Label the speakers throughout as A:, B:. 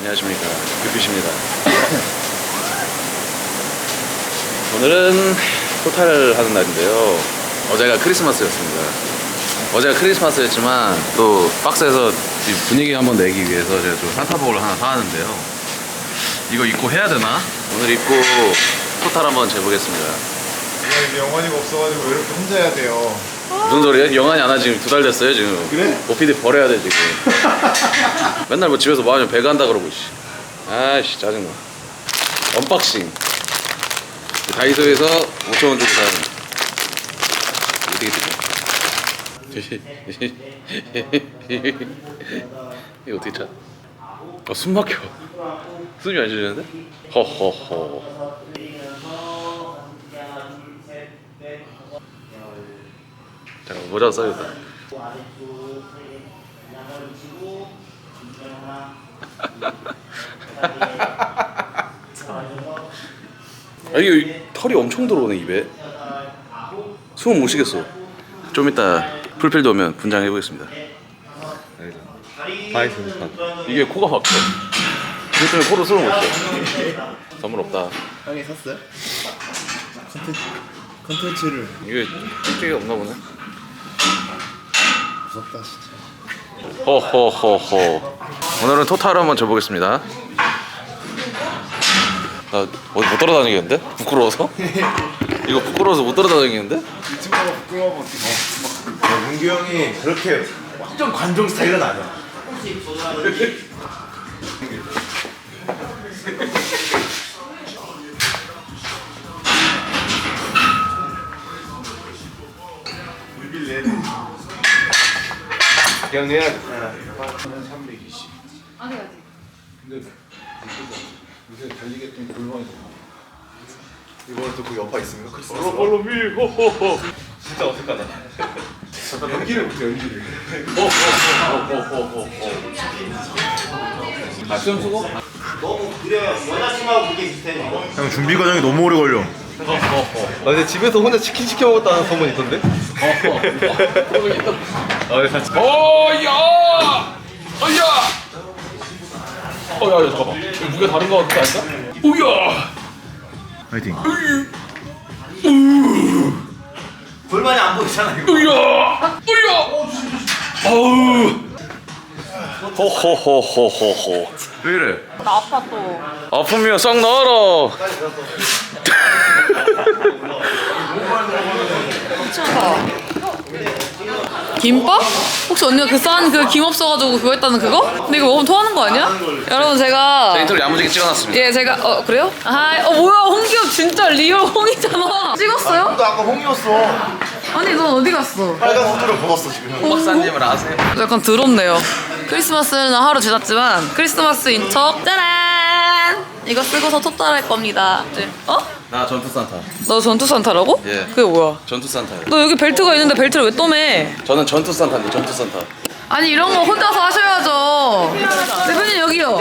A: 안녕하십니까, 뷰빛입니다. 오늘은 토탈을 하는 날인데요. 어제가 크리스마스였습니다. 어제가 크리스마스였지만 또 박스에서 분위기 한번 내기 위해서 제가 좀 산타복을 하나 사왔는데요. 이거 입고 해야 되나? 오늘 입고 토탈 한번 재보겠습니다.
B: 이제 영환이가 없어가지고 왜 이렇게 혼자 해야 돼요?
A: 무슨 소리야? 영환이 안 하 지금 2달 됐어요 지금.
B: 그래?
A: OPD 버려야 돼 지금. 맨날 뭐 집에서 뭐 하면 배가 한다 그러고 씨. 아이씨 짜증나. 언박싱. 다이소에서 5,000원 주고 산 어떻게 되지? 이거 어떻게 차? 숨 막혀. 숨이 안 쉬는데? 허허허. 잠깐 모자 써야겠다. 아 이게 털이 엄청 들어오네 입에. 숨을 못 쉬겠어. 좀 이따 풀필드 오면 분장해 보겠습니다.
B: 다 있으니까.
A: 이게 코가 막혀. 그것 때문에 코로 숨을 못 쉬어. 선물 없다.
B: 형이 샀어요? 컨텐츠를.
A: 이게 찍찍이 없나 보네.
B: 무섭다 진짜.
A: 허허허허. 오늘은 토탈 한번 줘보겠습니다. 나 어디 못 따라다니겠는데? 부끄러워서? 이거 부끄러워서 못 따라다니겠는데?
B: 이 친구가 부끄러워 어떡해. 문규 형이 그렇게 완전 관종 스타일은 아니야. 그냥 내야 돼. 320.
C: 아직.
B: 근데 요새 달리겠던 골반이 이번에 또 그 여파 있습니까? 크리스마스.
A: 호호호.
B: 진짜 어색하다. 연기를 못해 연기를.
A: 호호호호호호. 아 수염 쓰고?
D: 너무 그래 여자친구하고 그게 비슷해 이거.
B: 형 준비 과정이 너무 오래 걸려.
D: 아 근데 집에서 혼자 치킨 시켜 먹었다는 소문 있던데? 아 근데 사실
A: 어야! 어야! 어야 잠깐만. 이거 무게 다른 거 같지 않나? 오야!
B: 파이팅.
D: 골반이 안 보이잖아 이거.
A: 으야! 으야! 아우! 호호호호호호. 왜 이래?
C: 나 아파 또.
A: 아프면 싹 나와라.
C: 김밥? 혹시 언니가 그 싼 그 김 없어가지고 그거 했다는 그거? 근데 이거 먹으면 토하는 거 아니야? 여러분 제가
A: 인터뷰 야무지게 찍어놨습니다.
C: 예 제가 그래요? 뭐야 홍기업 진짜 리얼 홍이잖아. 찍었어요?
B: 너 아까 홍이었어.
C: 아니 넌 어디 갔어?
B: 빨간 후드를 벗었어 지금.
A: 박사님을 아세요?
C: 약간 더럽네요. 크리스마스는 하루 지났지만 크리스마스인 척 짜란! 이거 쓰고서 토탈할 겁니다. 네.
A: 나 전투 산타.
C: 너 전투 산타라고?
A: 예.
C: 그게 뭐야?
A: 전투 산타요.
C: 너 여기 벨트가 있는데 벨트를 왜 또 매?
A: 저는 전투 산타인데 전투 산타.
C: 아니 이런 거 혼자서 하셔야죠. 대표님 여기요.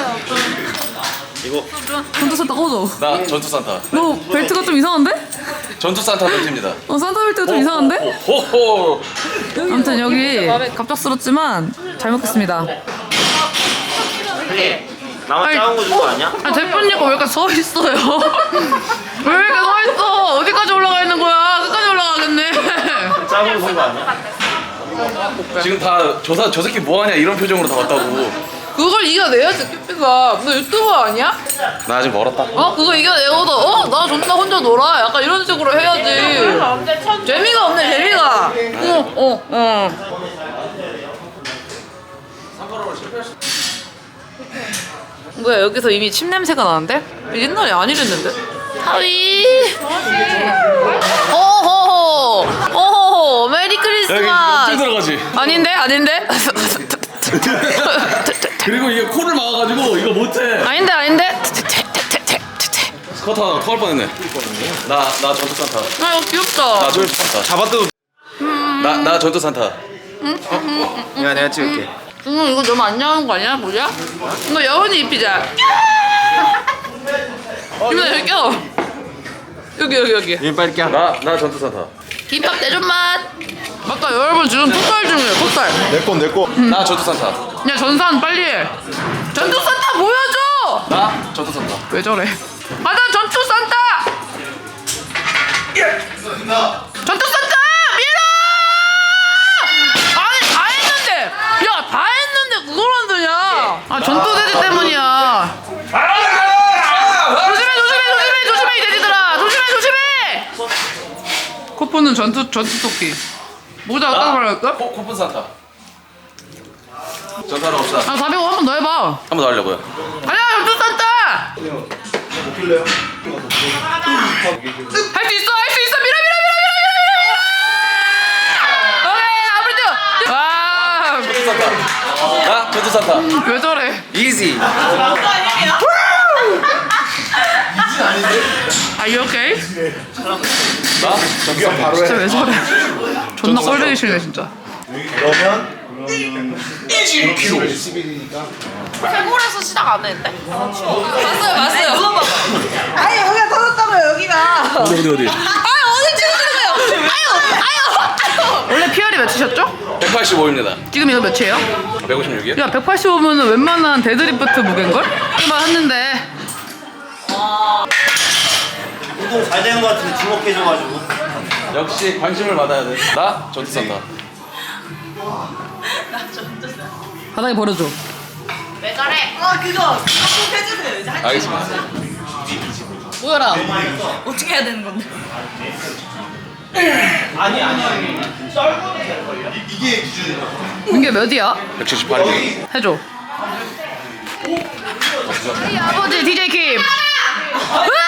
A: 이거
C: 전투 산타 꺼줘.
A: 나 전투 산타.
C: 너 벨트가 좀 이상한데?
A: 전투 산타 벨트입니다.
C: 산타 벨트가 좀 이상한데?
A: 호호.
C: 아무튼 여기 갑작스럽지만 잘 먹겠습니다.
D: 나만 작은 거 준 거 아니야?
C: 대표님 거 왜 이렇게 서 있어요? 왜 이렇게 서 있어? 어디까지 올라가 있는 거야? 끝까지 올라가겠네.
D: 작은 거 준 거 아니야?
A: 지금 다 저 새끼 뭐하냐 이런 표정으로 다 왔다고.
C: 그걸 이겨내야지 끼삐가. 너 유튜버 아니야?
A: 나 아직 멀었다.
C: 그거 이겨내고도 나 존나 혼자 놀아. 약간 이런 식으로 해야지. 재미가 없네 재미가. 뭐야 여기서 이미 침 냄새가 나는데? 옛날에 안 이랬는데? 하위. 호호호 메리 크리스마스.
A: 쭉 들어가지.
C: 아닌데?
A: 그리고 이게 코를 막아가지고 이거 못해.
C: 아닌데?
A: 스커트 하나 터갈 뻔했네. 나 전투 산타.
C: 이거 귀엽다.
A: 나 전투 산타.
D: 잡아도
A: 나 전투 산타.
D: 야 내가 찍을게.
C: 이거 너무 안 나오는 거 아니야? 뭐야? 이거 여운이 입히자. 이번에 여기 껴. 여기.
D: 얘 빨리 껴.
A: 나 전투 산타.
C: 김밥 대존 맛. 맞다 여러분 지금 토탈 중이에요 토탈.
B: 내 거.
A: 나 전투 산타.
C: 야 전산 빨리 해. 전투 산타 뭐야?
A: 나 전투 산다.
C: 왜 저래? 가자 전투 산타! 전투 산타! 밀어! 아니 다 했는데! 야 다 했는데 그걸 안 되냐? 아 전투 돼지 때문이야. 조심해 이 돼지들아! 조심해! 코프는 전투 토끼. 모자 어떤 걸 할까?
A: 코픈 산타. 전투하러 갑시다.
C: 아 400원 한 번 더 해봐.
A: 한 번 더 하려고요.
C: 가자 전투 산타!
B: 먹길래요?
C: 할 수 있어 밀어 오케이 아무래도 와
A: 전투 산타. 나 전투 산타.
C: 왜 저래
A: 이지.
C: Are you okay?
A: 나 전투 산타.
B: 바로
C: 진짜
B: 해.
C: 왜 저래 존나 꼴보기 싫네 진짜
B: 그러면 10일이니까
C: 태국에서 시작 안 했는데? 봤어요
E: 아니 여기가 터졌다고요 여기가.
A: 어디.
C: 어디 찍어주는 거예요 아유 원래 PR이 몇이셨죠?
A: 185입니다.
C: 지금 이거 몇이에요?
A: 156이요?
C: 야 185면 웬만한 데드리프트 무게인걸? 이만 했는데
F: 운동 잘 되는 것 같은데 주목해줘가지고.
A: 역시 관심을 받아야 돼. 나 전투 산타.
C: 바닥에 버려줘
E: 왜 저래? 그거 꼭 해주세요 이제.
A: 알겠습니다.
C: 모여라
E: 어떻게 해야 되는 건데?
B: 이게 기준이야.
C: 민규 몇이야?
A: 178이요.
C: 해줘 우리 아버지 DJ 킴 으아!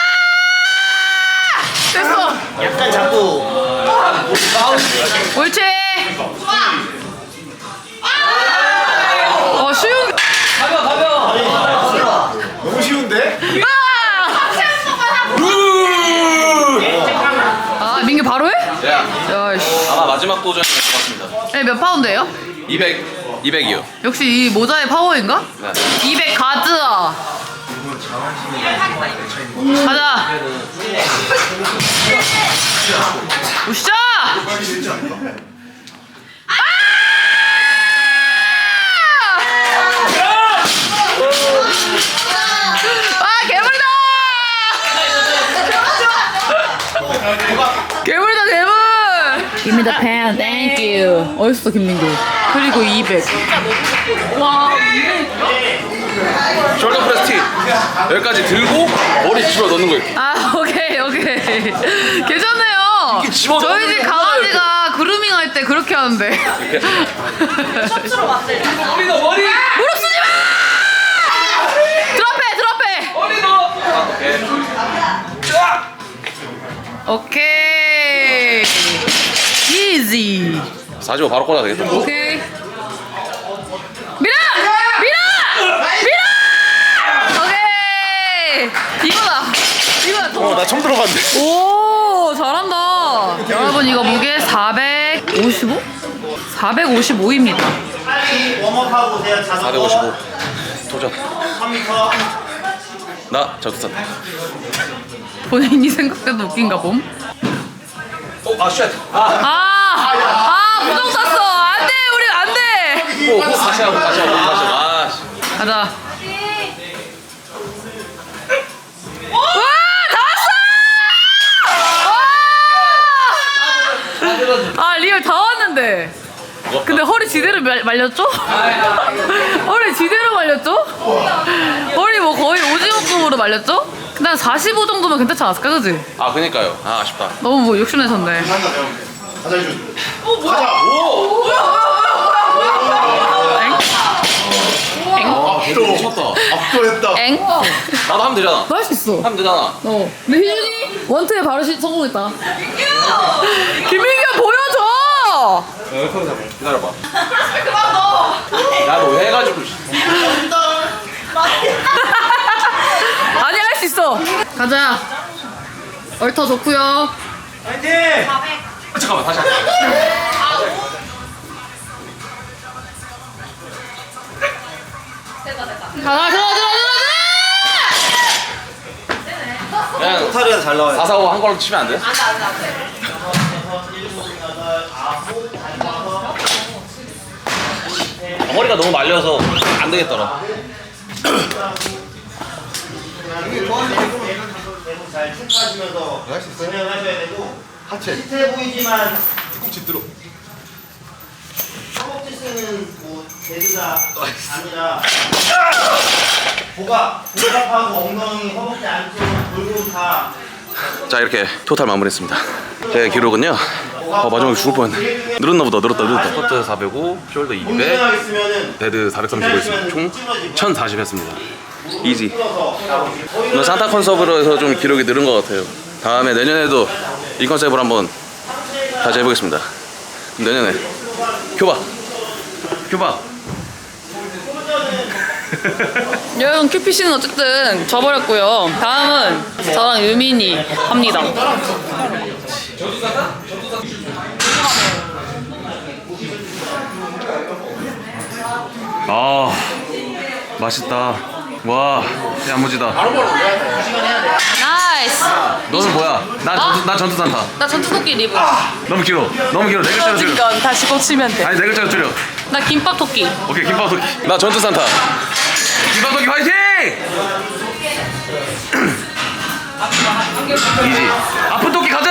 C: 됐어
F: 약간 자꾸
C: 옳지 쉬운
B: 너무 쉬운데?
C: 아 민규 바로 해?
A: 야,
C: 야이씨
A: 아마 마지막 도전인 것 같습니다.
C: 몇 파운드예요?
A: 200이요.
C: 역시 이 모자의 파워인가?
A: 네.
C: 200 가즈아 가자 우샤 아 괴물이다 괴물이다 괴물 Give me the pen, thank you 어딨어 김민규 그리고 200
A: 숄더 프레스 티. 여기까지 들고 머리 집어 넣는 거 이렇게.
C: 아 오케이 괜찮네요
A: 이렇게 집어넣는
C: 저희 집
A: 거
C: 강아지가 그루밍 할 때 그렇게 하는데
E: 셔츠로 만들.
A: 머리 넣어, 머리.
C: 무릎 쓰지 마 드롭해
A: 머리 넣어.
C: 오케이 이지
A: 45 바로 꽂아야 되겠다.
C: 오케이 밀어 오케이 이거다
A: 나 처음 들어봤는데.
C: 오 잘한다 여러분 이거 무게 455? 455입니다
F: 웜업하고 그냥 자전거
A: 455. 도전.
F: 3m.
A: 나 전투 산타.
C: 본인이 생각해도 웃긴가 봄?
A: 아 쉣.
C: 부정 샀어 안돼 우리 안돼
A: 다시 하고. 아 씨.
C: 가자 아 리얼 다 왔는데 근데 허리 지대로 말렸죠? 허리 지대로 말렸죠? 허리 뭐 거의 오징어급으로 말렸죠? 근데 한 45 정도면 괜찮지 않았을까 그지?
A: 아 그니까요. 아 아쉽다.
C: 너무 뭐 욕심내셨네
B: 한다 형. 가자 해줘. 가자.
A: 미쳤다.
B: 압도했다.
C: 엥?
A: 나도 하면 되잖아.
C: 너 할 수 있어
A: 하면 되잖아.
C: 근데 희준이 원투에 바로 성공했다 김민규 보여줘
A: 기다려봐. 야너 해가지고.
C: 아니 할 수 있어 가자 얼터 좋구요
F: 파이팅!
A: 잠깐만 다시 할게.
C: 가자
A: 그냥
F: 타리가 잘 나와요.
A: 445 한 걸로 치면 안 돼? 머리가 너무 말려서 안 되겠더라.
F: 계속 잘 체크하시면서
B: 할수 있어요?
F: 진행하셔야 되고
B: 하체
F: 비슷해 보이지만
B: 뒤꿈치 들어.
F: 허벅지 쓰는 뭐 데드가 아니라 복압하고 엉덩이 허벅지 안쪽 골고 다
A: 자 이렇게 토탈 마무리했습니다. 제 기록은요. 마지막에 죽을 뻔했네. 늘었나 보다. 늘었다. 스쿼트 405, 숄더 200,
F: 공중하게 있으면은
A: 데드 435 했습니다. 총 1040 했습니다. 이지. 오늘 산타 컨셉으로 해서 좀 기록이 늘은 것 같아요. 다음에 내년에도 이 컨셉으로 한번 다시 해보겠습니다. 내년에 교박.
C: 여러분 큐피씨는 어쨌든 져버렸고요. 다음은 저랑 유민이 합니다.
A: 아 맛있다. 와 야무지다.
C: 나이스.
A: 너는 뭐야? 난 전투 산타.
C: 나 전투토끼 리브.
A: 너무 길어. 네 글자로 줄여.
C: 건 다시 고치면 돼.
A: 아니 네 글자로 줄여.
C: 나 김밥 토끼.
A: 오케이 김밥 토끼. 나 전투 산타. 김밥 토끼 화이팅! 이지. 아픈 토끼 가자.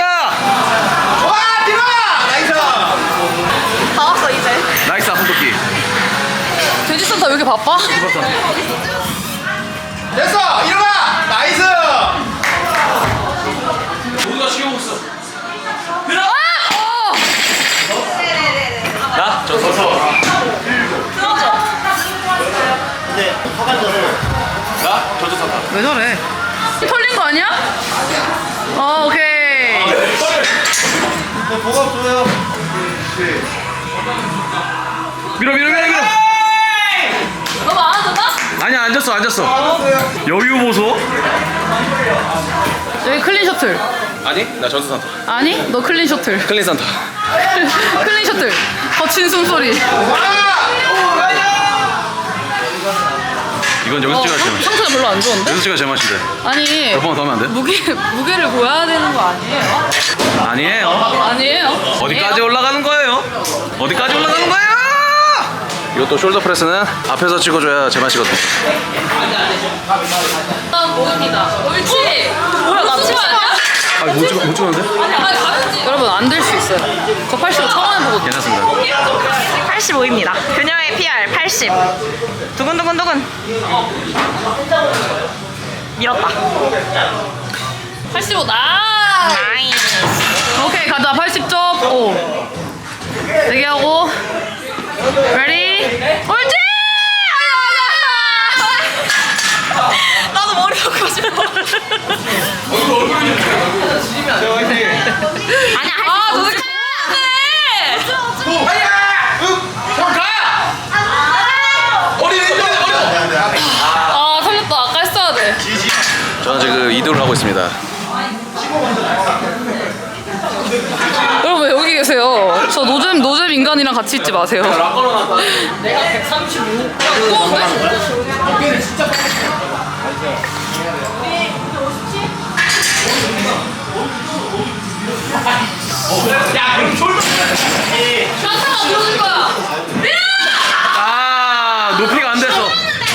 E: 다 왔어 이제.
A: 나이스 아픈 토끼.
C: 돼지 산타 왜 이렇게 바빠?
B: 됐어 일어나. 나이스.
A: 모두가 쉬고 있어.
C: 아!
A: 나? 저 서서.
F: 근데 허간져서
A: 나? 전투 산타.
C: 왜 저래? 털린 거 아니야? 오케이.
B: 복압 줘요.
A: 밀어.
C: 너무 안 앉았나?
A: 아니야 앉았어. 여유 보소.
C: 여기 클린 셔틀.
A: 아니 나 전투 산타.
C: 아니? 너 클린 셔틀.
A: 클린 산타.
C: 클린 셔틀. 거친 숨소리.
A: 이건 여기서 찍어야 제맛.
C: 상태가 별로 안 좋은데?
A: 여기서 찍어야 제맛인데.
C: 아니.
A: 몇 번 더 하면 안 돼?
C: 무게를 보여야 되는 거 아니에요?
A: 아니에요.
C: 아니에요?
A: 어디까지 올라가는 거예요? 어디까지 올라가는 거예요? 이것도 숄더 프레스는 앞에서 찍어줘야 제맛이거든요.
C: 다음 목입니다. 옳지. 뭐야 나 찍어 아니야?
A: 아, 못 찍었는데?
C: 아니 가는지. 여러분 안 될 수 있어요. 저 85 처음 해보거든요.
A: 괜찮습니다.
E: 85입니다. 그녀의 PR 80. 두근두근두근. 밀었다.
C: 85 나이스. 오케이 가자 80점. 오. 대기하고. 레디. 옳지.
E: 나도 머리 박고 싶어. 아니야 할
C: 아
E: 수
C: 너네
E: 있어.
C: 아 살렸다. 아까 했어야 돼.
A: 저는 지금 이도를 하고 있습니다.
C: 여러분 왜 여기 계세요? 저 노잼 인간이랑 같이 있지 마세요. 내가 135. 무거운데?
F: 야 그럼
C: 산타가 밀어줄 거야. 밀어!
A: 아, 높이가 안 됐어.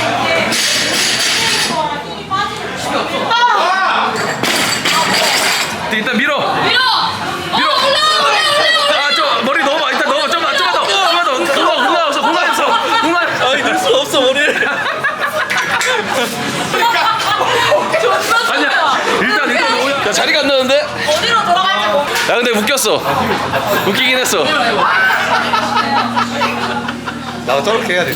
A: 일단 밀어.
C: 밀어!
A: 아, 저 머리 너무 일단 너무 좀만 더. 공간. 아니 늘 수가 없어 머리를. 아니야. 일단 야, 자리가 안 나는데?
E: 어디로 돌아갈지 모르.
A: 야 근데 웃겼어. 웃기긴 했어.
D: 나도 저렇게 해야 돼.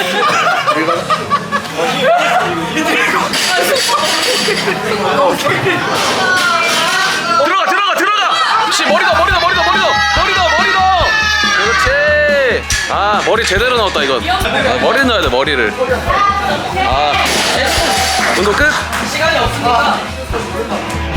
A: 들어가. 혹시 머리 넣어. 그렇지. 아 머리 제대로 넣었다 이건. 머리 넣어야 돼 머리를. 아 운동 끝.
C: 시간이 없으니까.